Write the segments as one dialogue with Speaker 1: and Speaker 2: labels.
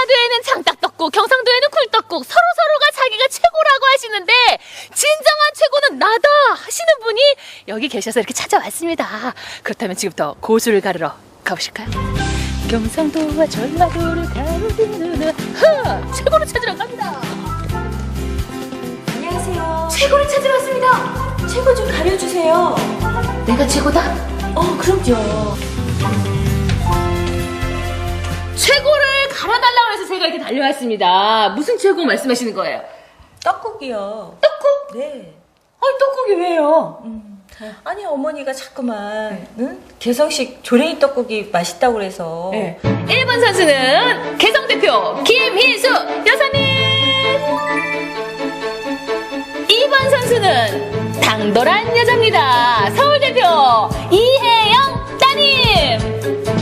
Speaker 1: 경상도에는 장닭떡국, 경상도에는 굴떡국, 서로가 자기가 최고라고 하시는데 진정한 최고는 나다 하시는 분이 여기 계셔서 이렇게 찾아왔습니다. 그렇다면 지금부터 고수를 가르러 가보실까요? 경상도와 전라도를 가르는 최고를 찾으러 갑니다.
Speaker 2: 안녕하세요.
Speaker 1: 최고를 찾으러 왔습니다.
Speaker 2: 최고 좀 가려주세요.
Speaker 1: 내가 최고다?
Speaker 2: 그럼요.
Speaker 1: 최고를 가려달라고 해서 제가 이렇게 달려왔습니다. 무슨 최고 말씀하시는 거예요?
Speaker 2: 떡국이요.
Speaker 1: 떡국?
Speaker 2: 네.
Speaker 1: 아니 떡국이 왜요?
Speaker 2: 아니 어머니가 자꾸만 응? 개성식 조랭이 떡국이 맛있다고 그래서.
Speaker 1: 네. 1번 선수는 개성대표 김희수 여사님, 2번 선수는 당돌한 여자입니다. 서울대표 이혜영 따님.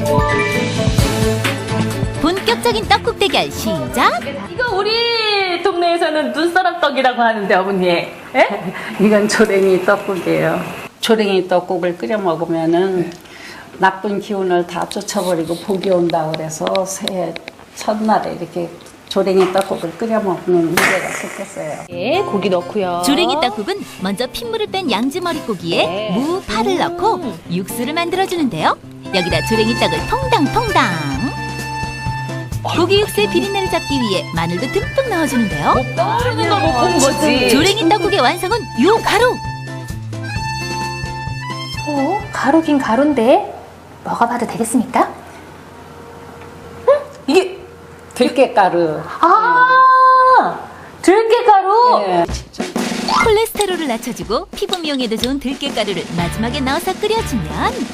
Speaker 3: 본격적인 떡국 대결 시작!
Speaker 1: 이거 우리 동네에서는 눈사람 떡이라고 하는데 어머니, 예?
Speaker 4: 이건 조랭이 떡국이에요. 조랭이 떡국을 끓여 먹으면은 나쁜 기운을 다 쫓아버리고 복이 온다 그래서 새해 첫날에 이렇게 조랭이 떡국을 끓여 먹는 문제가 생겼어요.
Speaker 1: 예, 고기 넣고요.
Speaker 3: 조랭이 떡국은 먼저 핏물을 뺀 양지 머릿고기에
Speaker 1: 네.
Speaker 3: 무, 파를 넣고 육수를 만들어주는데요. 여기다 조랭이 떡을 퐁당퐁당. 고기 육수의 비린내를 잡기 위해 마늘도 듬뿍 넣어주는데요.
Speaker 1: 떠오르는 거 못 본 거지.
Speaker 3: 조랭이 떡국의 완성은 요 가루!
Speaker 5: 가루긴 가루인데 먹어봐도 되겠습니까?
Speaker 4: 이게 들깨가루.
Speaker 5: 들깨가루.
Speaker 4: 예.
Speaker 3: 콜레스테롤을 낮춰주고 피부 미용에도 좋은 들깨가루를 마지막에 넣어서 끓여주면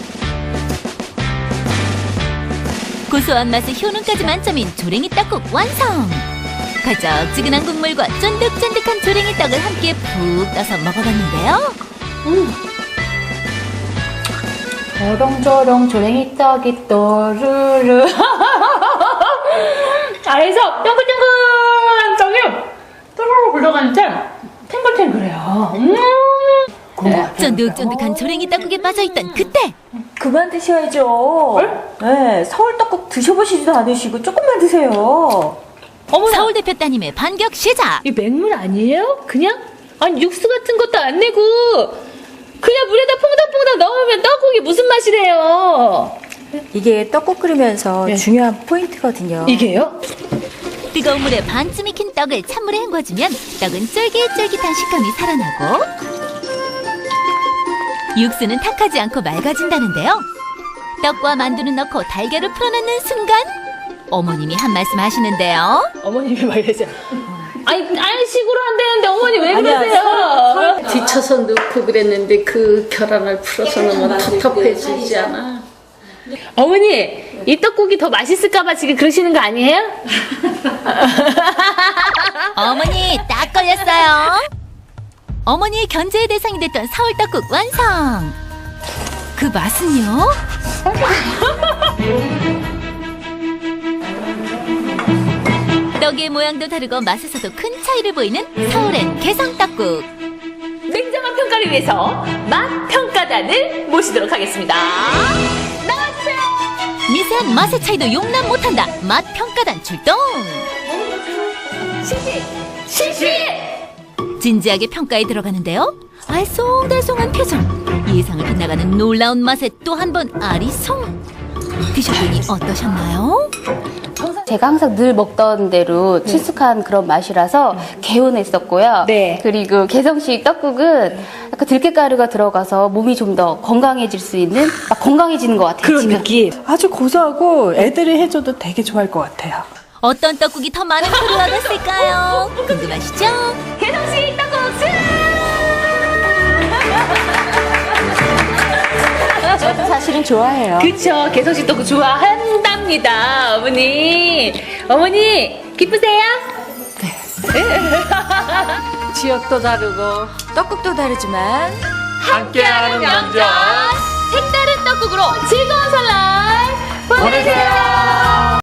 Speaker 3: 고소한 맛에 효능까지 만점인 조랭이 떡국 완성! 걸쩍지근한 국물과 쫀득쫀득한 조랭이 떡을 함께 푹 떠서 먹어봤는데요.
Speaker 5: 저렁저렁 조랭이 떡이 또르르.
Speaker 1: 알에서 탱글탱글한 떡이 또르르 굴러가는데 탱글탱글해요.
Speaker 3: 쫀득쫀득한 조랭이 떡국에 빠져있던 그때!
Speaker 2: 그만 드셔야죠. 네, 서울 떡국 드셔보시지도 않으시고 조금만 드세요.
Speaker 1: 어머나,
Speaker 3: 서울 대표 따님의 반격 시작!
Speaker 1: 이 맹물 아니에요? 그냥? 아니 육수 같은 것도 안 내고 그냥 물에다 퐁당퐁당 넣으면 떡국이 무슨 맛이래요?
Speaker 2: 이게 떡국 끓이면서
Speaker 1: 네.
Speaker 2: 중요한 포인트거든요.
Speaker 1: 이게요?
Speaker 3: 뜨거운 물에 반쯤 익힌 떡을 찬물에 헹궈주면 떡은 쫄깃쫄깃한 식감이 살아나고 육수는 탁하지 않고 맑아진다는데요. 떡과 만두는 넣고 달걀을 풀어넣는 순간 어머님이 한 말씀 하시는데요.
Speaker 1: 어머님이 말이죠. 아니 딴식으로 한다는데 어머니 왜
Speaker 2: 아니야,
Speaker 1: 그러세요?
Speaker 4: 뒤쳐서 넣고 그랬는데 그 결함을 풀어서 넣으면 텁텁해지지 않아.
Speaker 1: 어머니 이 떡국이 더 맛있을까봐 지금 그러시는 거 아니에요?
Speaker 3: 어머니 딱 걸렸어요. 어머니의 견제의 대상이 됐던 서울 떡국 완성. 그 맛은요? 떡의 모양도 다르고 맛에서도 큰 차이를 보이는 서울엔 개성 떡국.
Speaker 1: 냉정한 평가를 위해서 맛 평가단을 모시도록 하겠습니다. 나와주세요.
Speaker 3: 미세한 맛의 차이도 용납 못한다. 맛 평가단 출동.
Speaker 1: 실시.
Speaker 3: 진지하게 평가에 들어가는데요. 알쏭달쏭한 표정, 예상을 빗나가는 놀라운 맛에 또 한 번 아리송. 드셔보니 어떠셨나요?
Speaker 5: 제가 항상 늘 먹던 대로 친숙한 그런 맛이라서 개운했었고요.
Speaker 1: 네.
Speaker 5: 그리고 개성식 떡국은 약간 들깨가루가 들어가서 몸이 좀 더 건강해질 수 있는, 막 건강해지는 것 같아요. 지금.
Speaker 1: 느낌.
Speaker 6: 아주 고소하고 애들이 해줘도 되게 좋아할 것 같아요.
Speaker 3: 어떤 떡국이 더 많은 표를 얻었을까요? 궁금하시죠?
Speaker 1: 개성식 떡국 승!
Speaker 2: 저도 사실은 좋아해요.
Speaker 1: 그쵸, 개성식 떡국 좋아한답니다. 어머니 기쁘세요?
Speaker 4: 지역도 다르고
Speaker 2: 떡국도 다르지만
Speaker 1: 함께하는 명절 색다른 떡국으로 즐거운 설날 보내세요.